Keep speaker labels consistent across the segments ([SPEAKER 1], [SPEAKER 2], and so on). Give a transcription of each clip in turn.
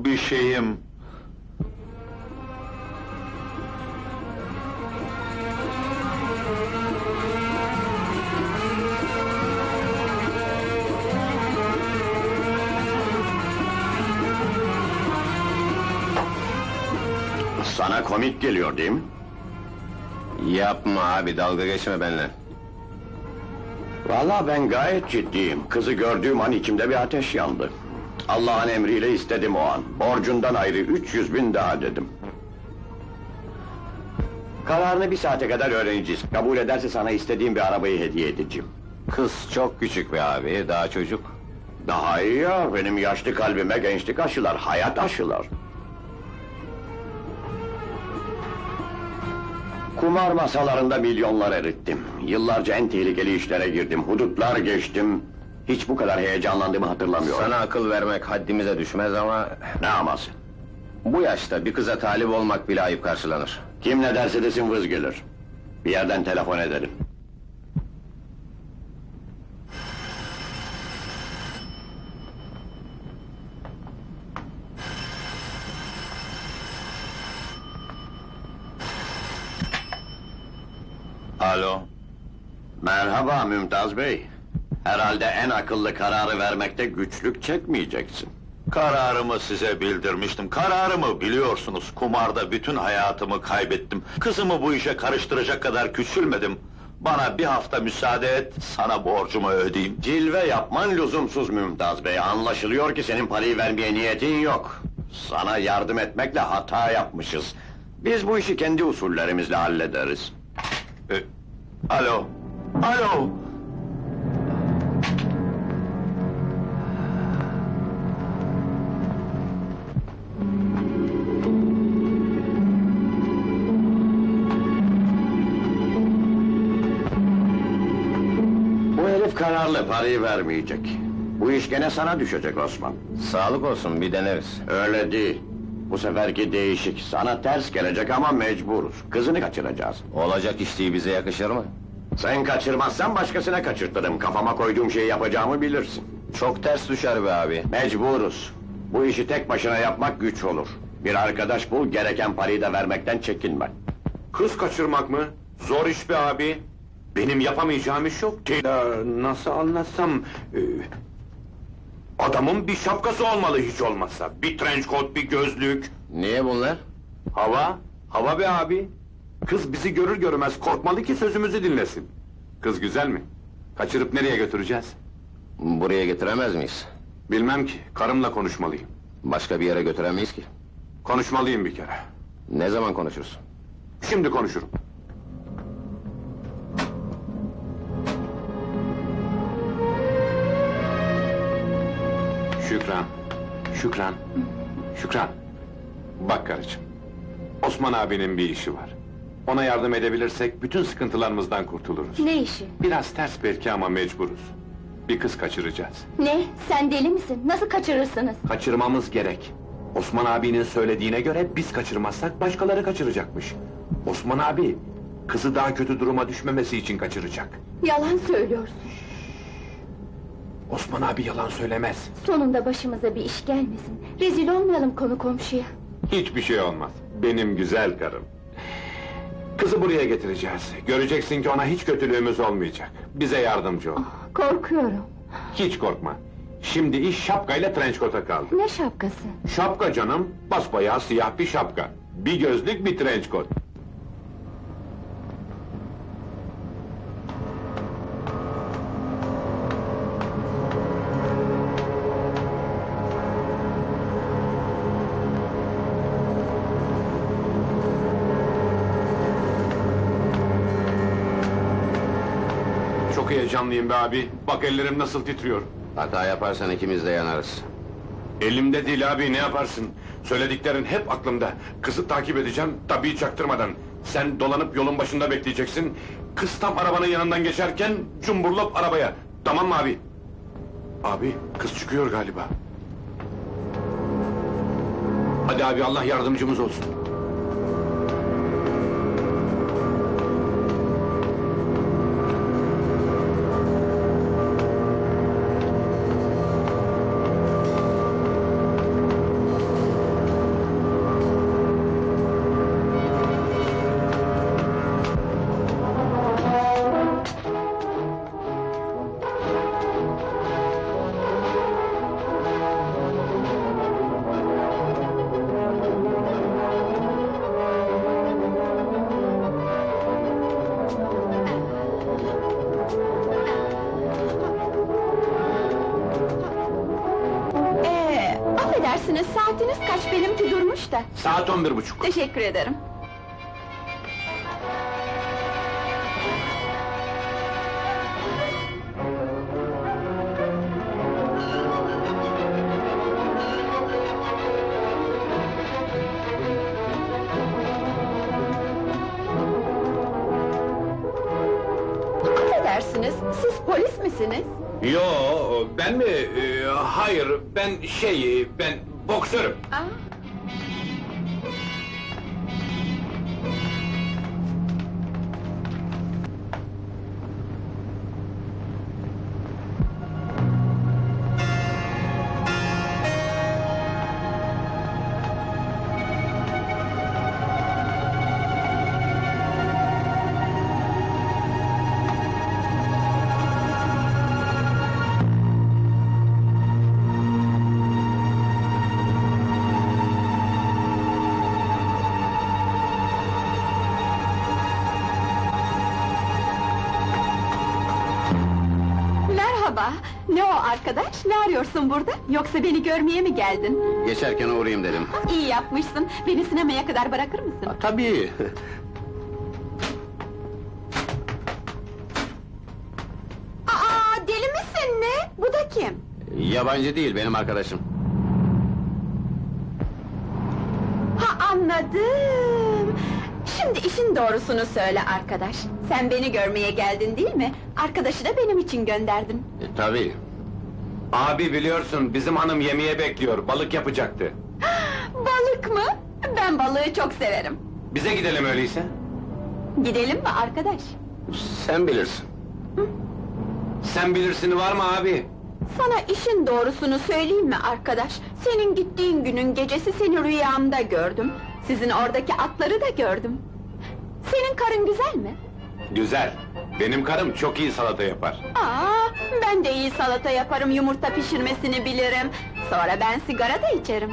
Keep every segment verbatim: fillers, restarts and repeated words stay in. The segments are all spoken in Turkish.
[SPEAKER 1] bir şeyim.
[SPEAKER 2] Sana komik geliyor değil mi?
[SPEAKER 3] Yapma abi, dalga geçme benimle.
[SPEAKER 2] Vallahi ben gayet ciddiyim. Kızı gördüğüm an içimde bir ateş yandı. Allah'ın emriyle istedim o an. Borcundan ayrı üç yüz bin daha dedim. Kararını bir saate kadar öğreneceğiz. Kabul ederse sana istediğim bir arabayı hediye edeceğim.
[SPEAKER 3] Kız çok küçük be abi, daha çocuk.
[SPEAKER 2] Daha iyi ya, benim yaşlı kalbime gençlik aşılar, hayat aşılar. Kumar masalarında milyonlar erittim. Yıllarca en tehlikeli işlere girdim, hudutlar geçtim. Hiç bu kadar heyecanlandığımı hatırlamıyorum.
[SPEAKER 3] Sana akıl vermek haddimize düşmez ama...
[SPEAKER 2] Ne aması?
[SPEAKER 3] Bu yaşta bir kıza talip olmak bile ayıp karşılanır.
[SPEAKER 2] Kim ne derse desin vız gelir. Bir yerden telefon ederim.
[SPEAKER 1] Alo.
[SPEAKER 2] Merhaba Mümtaz Bey. Herhalde en akıllı kararı vermekte güçlük çekmeyeceksin.
[SPEAKER 1] Kararımı size bildirmiştim. Kararımı biliyorsunuz. Kumarda bütün hayatımı kaybettim. Kızımı bu işe karıştıracak kadar küçülmedim. Bana bir hafta müsaade et, sana borcumu ödeyeyim.
[SPEAKER 2] Cilve yapman lüzumsuz Mümtaz Bey. Anlaşılıyor ki senin parayı vermeye niyetin yok. Sana yardım etmekle hata yapmışız. Biz bu işi kendi usullerimizle hallederiz.
[SPEAKER 1] E, alo. Alo.
[SPEAKER 2] Bu herif kararlı, parayı vermeyecek. Bu iş gene sana düşecek Osman.
[SPEAKER 3] Sağlık olsun, bir deneriz.
[SPEAKER 2] Öyle değil. Bu seferki değişik. Sana ters gelecek ama mecburuz. Kızını kaçıracağız.
[SPEAKER 3] Olacak iş değil, bize yakışır mı?
[SPEAKER 2] Sen kaçırmazsan başkasına kaçırtırım. Kafama koyduğum şeyi yapacağımı bilirsin.
[SPEAKER 3] Çok ters düşer be abi.
[SPEAKER 2] Mecburuz. Bu işi tek başına yapmak güç olur. Bir arkadaş bul, gereken parayı da vermekten çekinme.
[SPEAKER 4] Kız kaçırmak mı? Zor iş be abi. Benim yapamayacağım iş yok ki. Ee, nasıl anlatsam... ee, adamın bir şapkası olmalı hiç olmazsa. Bir trench coat, bir gözlük.
[SPEAKER 3] Niye bunlar?
[SPEAKER 4] Hava, hava be abi. Kız bizi görür görmez korkmalı ki sözümüzü dinlesin. Kız güzel mi? Kaçırıp nereye götüreceğiz?
[SPEAKER 3] Buraya getiremez miyiz?
[SPEAKER 4] Bilmem ki, karımla konuşmalıyım.
[SPEAKER 3] Başka bir yere götüremeyiz ki.
[SPEAKER 4] Konuşmalıyım bir kere.
[SPEAKER 3] Ne zaman konuşursun?
[SPEAKER 4] Şimdi konuşurum. Şükran, Şükran, Şükran. Bak karıcığım, Osman abinin bir işi var. Ona yardım edebilirsek bütün sıkıntılarımızdan kurtuluruz.
[SPEAKER 5] Ne işi?
[SPEAKER 4] Biraz ters belki ama mecburuz. Bir kız kaçıracağız.
[SPEAKER 5] Ne? Sen deli misin? Nasıl kaçırırsınız?
[SPEAKER 4] Kaçırmamız gerek. Osman abinin söylediğine göre biz kaçırmazsak başkaları kaçıracakmış. Osman abi, kızı daha kötü duruma düşmemesi için kaçıracak.
[SPEAKER 5] Yalan söylüyorsun.
[SPEAKER 4] Osman abi yalan söylemez.
[SPEAKER 5] Sonunda başımıza bir iş gelmesin. Rezil olmayalım konu komşuya.
[SPEAKER 4] Hiçbir şey olmaz. Benim güzel karım. Kızı buraya getireceğiz. Göreceksin ki ona hiç kötülüğümüz olmayacak. Bize yardımcı ol.
[SPEAKER 5] Ah, korkuyorum.
[SPEAKER 4] Hiç korkma. Şimdi iş şapkayla trench coat'a kaldı.
[SPEAKER 5] Ne şapkası?
[SPEAKER 4] Şapka canım, basbayağı siyah bir şapka. Bir gözlük, bir trench coat. Çok heyecanlıyım be abi. Bak ellerim nasıl titriyor.
[SPEAKER 3] Hata yaparsan ikimiz de yanarız.
[SPEAKER 4] Elimde değil abi, ne yaparsın? Söylediklerin hep aklımda. Kızı takip edeceğim, tabii çaktırmadan. Sen dolanıp yolun başında bekleyeceksin. Kız tam arabanın yanından geçerken cumburlop arabaya. Tamam mı abi? Abi, kız çıkıyor galiba. Hadi abi, Allah yardımcımız olsun.
[SPEAKER 5] Saatiniz kaç? Benimki durmuş da.
[SPEAKER 4] Saat on bir buçuk.
[SPEAKER 5] Teşekkür ederim. Affedersiniz, siz polis misiniz?
[SPEAKER 4] Yo, ben mi? Ee, hayır, ben şey, ben boksörüm.
[SPEAKER 5] Aa. Merhaba, ne o arkadaş? Ne arıyorsun burada? Yoksa beni görmeye mi geldin?
[SPEAKER 3] Geçerken uğrayayım dedim.
[SPEAKER 5] İyi yapmışsın, beni sinemaya kadar bırakır mısın?
[SPEAKER 3] Tabii.
[SPEAKER 5] Aa, deli misin ne? Bu da kim?
[SPEAKER 3] Yabancı değil, benim arkadaşım.
[SPEAKER 5] Ha, anladım! Şimdi işin doğrusunu söyle arkadaş. Sen beni görmeye geldin değil mi? Arkadaşı da benim için gönderdin.
[SPEAKER 3] E, tabii.
[SPEAKER 4] Abi biliyorsun, bizim hanım yemeğe bekliyor, balık yapacaktı.
[SPEAKER 5] Balık mı? Ben balığı çok severim.
[SPEAKER 4] Bize gidelim öyleyse.
[SPEAKER 5] Gidelim mi arkadaş?
[SPEAKER 3] Sen bilirsin.
[SPEAKER 4] Sen bilirsin var mı abi?
[SPEAKER 5] Sana işin doğrusunu söyleyeyim mi arkadaş? Senin gittiğin günün gecesi seni rüyamda gördüm. Sizin oradaki atları da gördüm. Senin karın güzel mi?
[SPEAKER 4] Güzel. Benim karım çok iyi salata yapar.
[SPEAKER 5] Aa, ben de iyi salata yaparım, yumurta pişirmesini bilirim. Sonra ben sigara da içerim.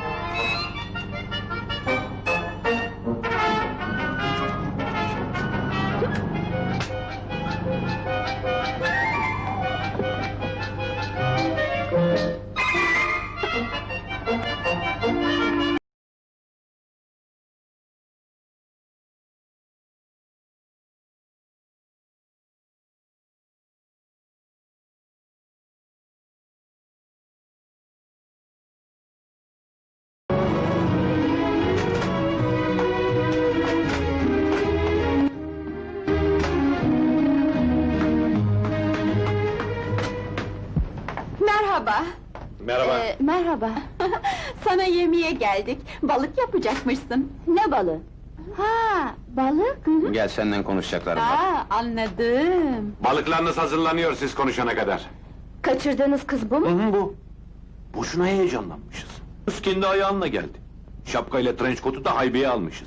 [SPEAKER 5] Merhaba.
[SPEAKER 4] Merhaba.
[SPEAKER 5] Ee, merhaba. Sana yemeğe geldik. Balık yapacakmışsın. Ne balığı? Ha, balık? Hı hı.
[SPEAKER 3] Gel, senden konuşacaklarım var.
[SPEAKER 5] Aa, anladım.
[SPEAKER 4] Balıklarınız hazırlanıyor siz konuşana kadar.
[SPEAKER 5] Kaçırdığınız kız bu mu?
[SPEAKER 4] hı bu. Boşuna heyecanlanmışız. Kız kendi ayağınla geldi. Şapkayla trenç kotu da haybeye almışız.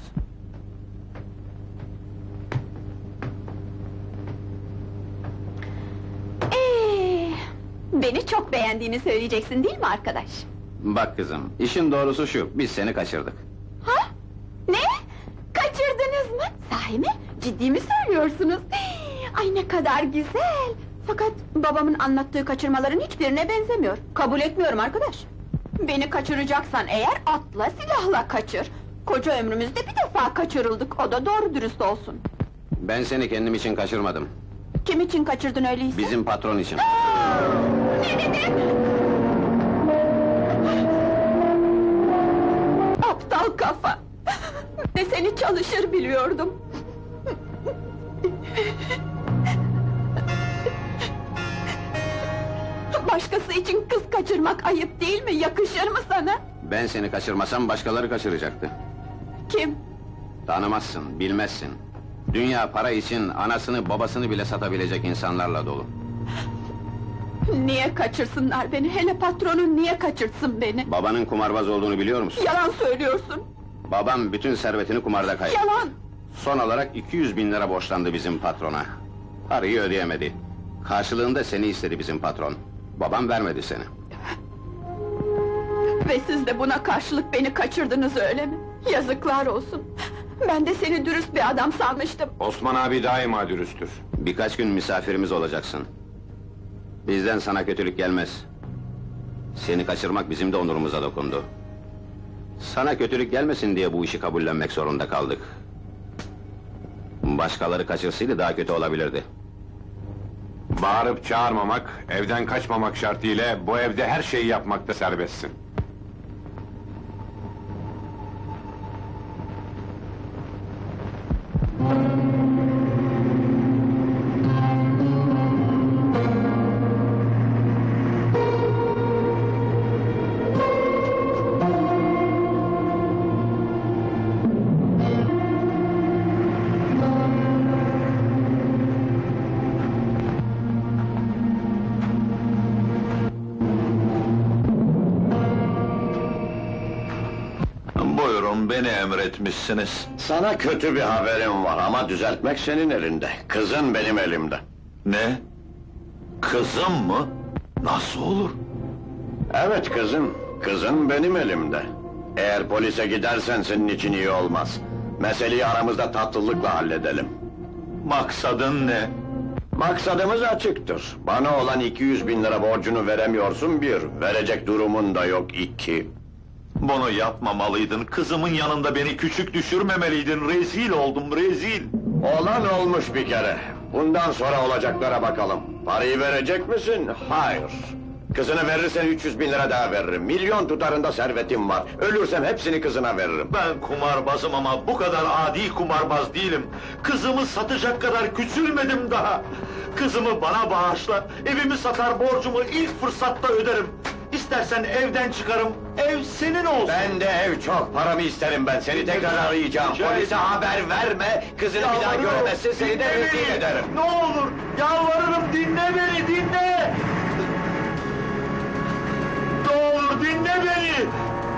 [SPEAKER 5] Ee, beni çok beğendiğini söyleyeceksin değil mi arkadaş?
[SPEAKER 3] Bak kızım, işin doğrusu şu, biz seni kaçırdık.
[SPEAKER 5] Ha? Ne? Kaçırdınız mı? Sahi mi? Ciddi mi söylüyorsunuz? Ay ne kadar güzel! Fakat babamın anlattığı kaçırmaların hiçbirine benzemiyor. Kabul etmiyorum arkadaş. Beni kaçıracaksan eğer atla silahla kaçır. Koca ömrümüzde bir defa kaçırıldık, o da doğru dürüst olsun.
[SPEAKER 3] Ben seni kendim için kaçırmadım.
[SPEAKER 5] Kim için kaçırdın öyleyse?
[SPEAKER 3] Bizim patron için.
[SPEAKER 5] Ne dedin? Aptal kafa! Ve seni çalışır biliyordum. Başkası için kız kaçırmak ayıp değil mi? Yakışır mı sana?
[SPEAKER 3] Ben seni kaçırmasam başkaları kaçıracaktı.
[SPEAKER 5] Kim?
[SPEAKER 3] Tanımazsın, bilmezsin. Dünya para için anasını babasını bile satabilecek insanlarla dolu.
[SPEAKER 5] Niye kaçırsınlar beni? Hele patronun niye kaçırsın beni?
[SPEAKER 3] Babanın kumarbaz olduğunu biliyor musun?
[SPEAKER 5] Yalan söylüyorsun!
[SPEAKER 3] Babam bütün servetini kumarda kaybetti.
[SPEAKER 5] Yalan!
[SPEAKER 3] Son olarak iki yüz bin lira borçlandı bizim patrona. Parayı ödeyemedi. Karşılığında seni istedi bizim patron. Babam vermedi seni.
[SPEAKER 5] Ve siz de buna karşılık beni kaçırdınız öyle mi? Yazıklar olsun! Ben de seni dürüst bir adam sanmıştım.
[SPEAKER 4] Osman abi daima dürüsttür.
[SPEAKER 3] Birkaç gün misafirimiz olacaksın. Bizden sana kötülük gelmez. Seni kaçırmak bizim de onurumuza dokundu. Sana kötülük gelmesin diye bu işi kabullenmek zorunda kaldık. Başkaları kaçırsaydı daha kötü olabilirdi.
[SPEAKER 4] Bağırıp çağırmamak, evden kaçmamak şartıyla bu evde her şeyi yapmakta serbestsin.
[SPEAKER 1] Buyurun, beni emretmişsiniz.
[SPEAKER 2] Sana kötü bir haberim var ama düzeltmek senin elinde. Kızın benim elimde.
[SPEAKER 1] Ne? Kızım mı? Nasıl olur?
[SPEAKER 2] Evet kızım, kızın benim elimde. Eğer polise gidersen senin için iyi olmaz. Meseleyi aramızda tatlılıkla halledelim.
[SPEAKER 1] Maksadın ne?
[SPEAKER 2] Maksadımız açıktır. Bana olan iki yüz bin lira borcunu veremiyorsun bir, verecek durumun da yok iki.
[SPEAKER 1] Bunu yapmamalıydın, kızımın yanında beni küçük düşürmemeliydin, rezil oldum, rezil!
[SPEAKER 2] Olan olmuş bir kere. Bundan sonra olacaklara bakalım. Parayı verecek misin? Hayır. Kızını verirsen üç yüz bin lira daha veririm. Milyon tutarında servetim var. Ölürsem hepsini kızına veririm.
[SPEAKER 1] Ben kumarbazım ama bu kadar adi kumarbaz değilim. Kızımı satacak kadar küçülmedim daha. Kızımı bana bağışla, evimi satar borcumu ilk fırsatta öderim. İstersen evden çıkarım, ev senin olsun.
[SPEAKER 2] Ben de ev çok, paramı isterim ben. Seni tekrar arayacağım.
[SPEAKER 1] Rica
[SPEAKER 2] Polise
[SPEAKER 1] ederim.
[SPEAKER 2] haber verme, kızını bir daha
[SPEAKER 1] Yalvarırım,
[SPEAKER 2] göremezsin, seni de
[SPEAKER 1] dinle
[SPEAKER 2] rezil
[SPEAKER 1] beni!
[SPEAKER 2] ederim.
[SPEAKER 1] Ne olur, yalvarırım, dinle beni, dinle! Ne olur, dinle beni!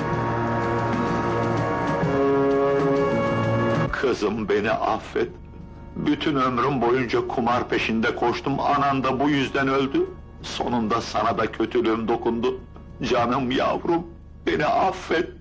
[SPEAKER 1] Kızım, beni affet. Bütün ömrüm boyunca kumar peşinde koştum, anan da bu yüzden öldü. Sonunda sana da kötülüğüm dokundu. Canım yavrum, beni affet.